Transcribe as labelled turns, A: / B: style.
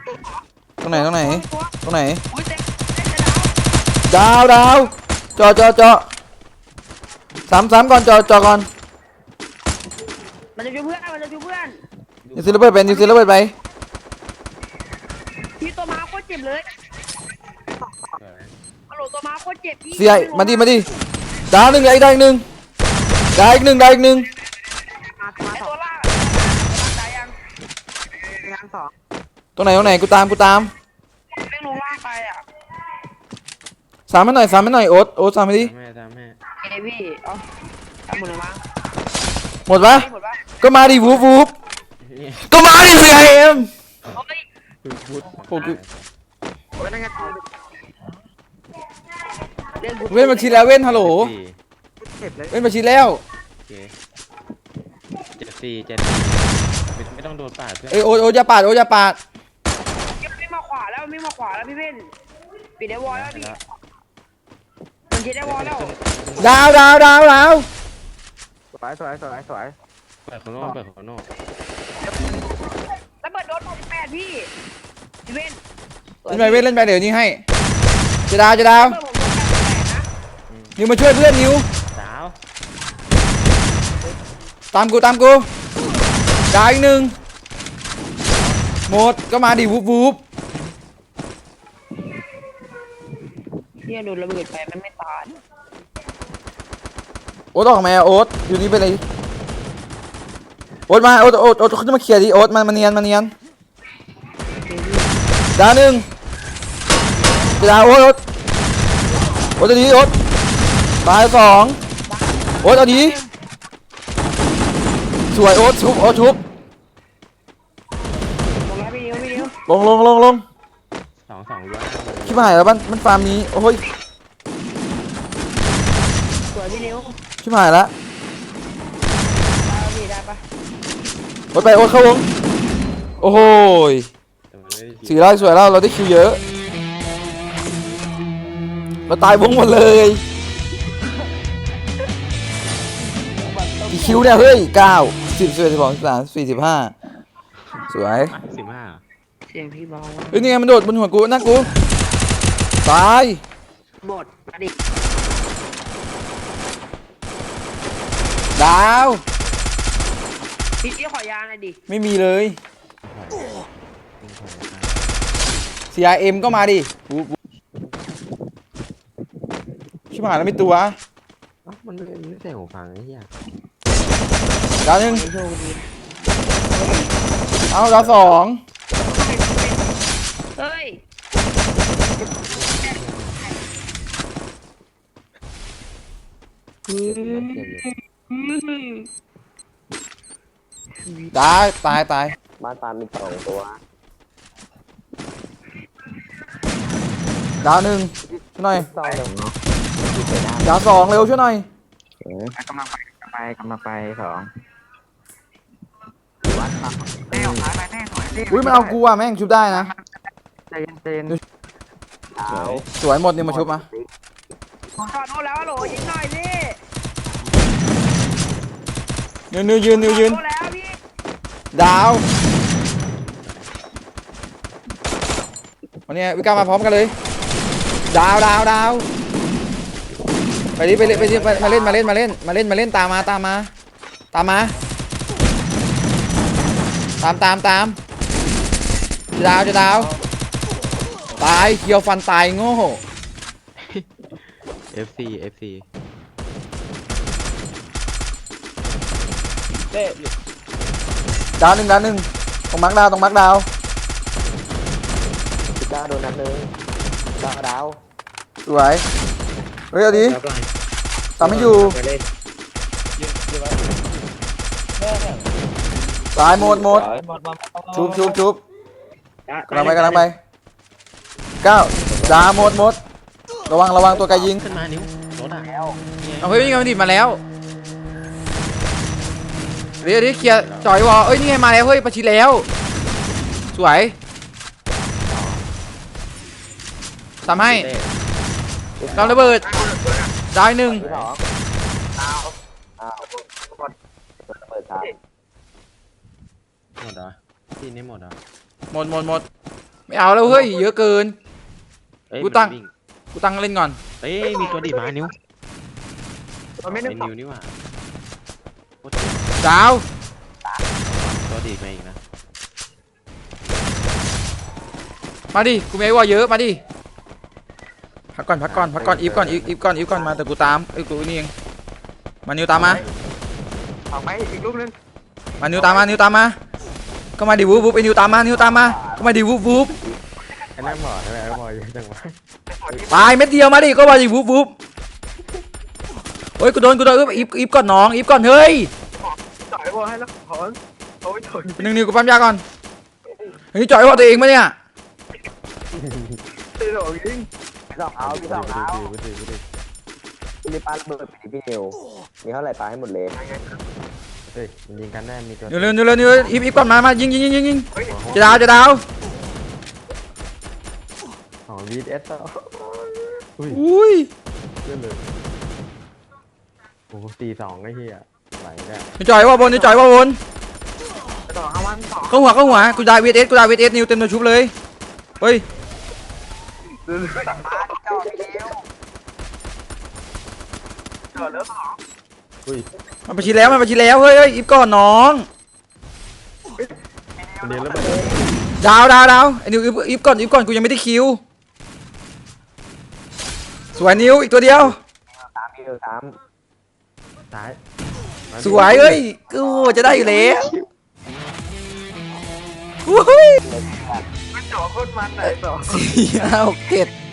A: ตรงไหนตรงไหน
B: ตัว
A: ตรงไหน
B: อุ้ยเต็ม
A: ดาวจอสามก่อนจอก่อน
B: มันจะช่วยเพื่อนมันจะช่วยเพื่อน
A: ยูซิลเบิร์ดไปยูซิลเบิร์ดไป
B: พี่ตัวม้าโคตรเจ็บเลยฮัลโหลตัวม้าโคตรเจ็บพี่
A: เสียมาดิดาวหนึ่งอีกหนึ่งดาวอีกหนึ่ง
B: ไอตัวล่างตายยังสอง
A: ตรงไหนกูตาม
B: เร่งลงล่างไปอ่ะ
A: สามให้หน่อยโอ๊ตสามให้ดิ
C: ตามแม่
B: เอ้พี่เอาทำหมดเลยมั้ง
A: หมดปะ
B: หมดปะ
A: ก็มาดิวูบก็มาดิเสียเอ็ม
B: เฮ้ย
C: พูด
A: โอ้กู
B: โอ้ยนั่นไงเล่น
A: เว้นบัญชีแล้วเว้นฮัลโหลเว้นบัญชีแล้ว
C: โอเค7-4ไม่ต้องโดนปาดเพื่อน
A: เอ้ยโอ๊ตอย่าปาด
B: ไม่มาขวาแล้วพี่เว้นปิดได้วอลแล้วพี่มันคิดได้วอลแล้ว
A: ดาว
D: สวย
C: เปิดของนอก
B: แล้วเปิดโดน68พี่เว้น
A: เล่นไปเดี๋ยวนี้ให้จะดาว
B: เปิดผมโดน88นะ
A: นิวมาช่วยเพื่อนนิว
C: สาว
A: ตามกูดาวอีกหนึ่งหมดก็มาดิวูบ
B: เนี่ยโดนระเบิดไปมันไม่ตาย
A: โอ๊ตออกมาโอ๊ตอยู่นี่ไปเลยโอ๊ตมาโอ๊ตเขาจะมาเคลียร์ดิโอ๊ตมาเนียนดาวหนึ่งจะดาวโอ๊ตเอาดีโอ๊ตตายสองโอ๊ตเอาดีสวยโอ๊ตชุบ
B: ลงแล้วพี่นิ้ว
A: ลง
C: 2-2ล้วน
A: ชิบหายแล้วมันฟาร์มนี้โอ้ย
B: สวยพี่นิ้ว
A: ชิบหายแล้ว
B: ได้พี่ได้ปะ
A: โอ๊ตไปโอ๊ตเข้าวงโอ้โหย
C: แต่มันไม่ได้
A: สี่ไร่สวยแล้วเราได้คิวเยอะเราตายวงหมดเลยกี่คิวเนี่ยเฮ้ย9 10 11 12 13 14 15สวย
C: 15
B: เสียงพี่เบา
A: เฮ้ยนี่ไงมันโดดบนหัวกูนั่นกูตาย
B: หมดมาดิ
A: ดาว
B: พี่ขอยาหน่อยดิ
A: ไม่มีเลย CRM ก็มาดิชิบหายแล้วไม่ตัว
C: มันไม่ใช่หูฟังไอ้เหี้ย
A: ดาวหนึ่ง
B: โชคดี
A: เอาดาวสอง
B: เฮ้ย
A: ตาย
D: บ้านตามมี2 ตัว
A: ดาวหนึ่งช่วยหน่อย
D: 2 1
A: ดาวสองเร็วช่วยหน่อย
D: กำลังไป2วัดครับแม่ออกมาแม่สวย
A: อุ้ยมันเอากูอ่ะแม่งชุบได้นะ
D: ใจเย็นเอา
A: สวยหมดนี่มาชุบมา
B: ถอดโน้แล้วโหลยิงหน่อยสิ
A: ยืน
B: โน้แล้วพี่
A: ดาววันนี้วิก้ามาพร้อมกันเลยดาวไปดิมาเล่นตามมาตามจะดาวตายเคียวฟันตายโง่
C: FC
A: ดาวหนึ่งตรงมาร์คดาว
D: 19โดนนัดนึงดาว
A: สวยเฮ้ยเอาดิตามไม่อยู่ตายหมดชุบกำลังไป9ดาหมดระวังตัวไกยิง
C: ขึ้นมานิ้วรถอ่ะ
A: เอาเฮ้ยนี่ไงมันดิมาแล้วเดี๋ยวเคลียร์จ่อยวอเอ้ยนี่ไงมาแล้วเฮ้ยประชิดแล้วสวยทำให้เราระเบิดได้หนึ่ง
D: 2เปิด3
C: หมดเหรอที่นี่หมดเหรอ
A: หมดไม่เอาแล้วเฮ้ยเยอะเกิน
C: เอ้ย
A: กูตั้ง
C: มันวิ่
A: กูตั้งเล่นก่อน
C: เอ้ยมีตัวดีดมานิ้ว
D: เราไม่
C: ไอ้
D: ได้
C: นิ้วนี่หว่าโคตร
A: ดาว
C: ตัวดีดมาอีกนะ
A: มาดิกูไม่ว่าเยอะมาดิพักก่อนอีฟก่อนอีฟก่อนมาแต่กูตามกูนี่เองมานิวตามมา
D: เอาไปอีกลูกนึง
A: มานิวตามมาก็มาดิวูบไอ้นิวตามมาก็มาดิวูบ
C: ไอ้นั่นหมอใช่ไหมไอ้หมอเยอะจังวะ
A: ตายเม็ดเดียวมาดิก็มาดิวูบโอ้ยกูโดนอีฟก่อนน้องอีฟก่อนเฮ้ย
D: จ่อยวอให้แล้วถอนโอ้ยถอน
A: หนึ่งนิวกูปั๊มยาก่อนเฮ้ยจ่อยว่าตัวเองมาเนี่ย
D: ตีสองยิงสองเอาพี่สองเอา
C: ไปดิ
D: พี่ปาระเบิดไปพี่นิวมีเท่าไหร่ปาให้หมดเลย
C: เฮ้ยมันยิงกันได้มีตัว
A: นิวอีฟก่อนมายิงจะดาว
C: อ๋อวีดเอสต่ออุ้ย
A: อุ้ย
C: เลื่อนเลยโอ้โห4-2ไอ้เหี้ยไหลเนี่ย
A: นิวจ่อยว่าบน
D: สองเอาวันสอง
A: เข้าหัวกูได้วีเอสนิวเต็มตัวชุบเลยเฮ้ย
D: สั่งมาจ่อพี่นิวจ่อแล้วสอง
C: อุ้ย
A: มันไปชิแล้วเฮ้ยอีฟก่อนน้อง
C: เดี๋ยวแล้วมัน
A: ดาวไอ้นิวอีฟก่อนกูยังไม่ได้คิวสวยนิวอีกตัวเดียว
D: สามพี่นิวสาม
C: ตาย
A: สวยเอ้ยกูจะได้อยู่แล้วอุ้ย
D: มันจ่อโคตรมันไหนสอง
A: 4 5 6 7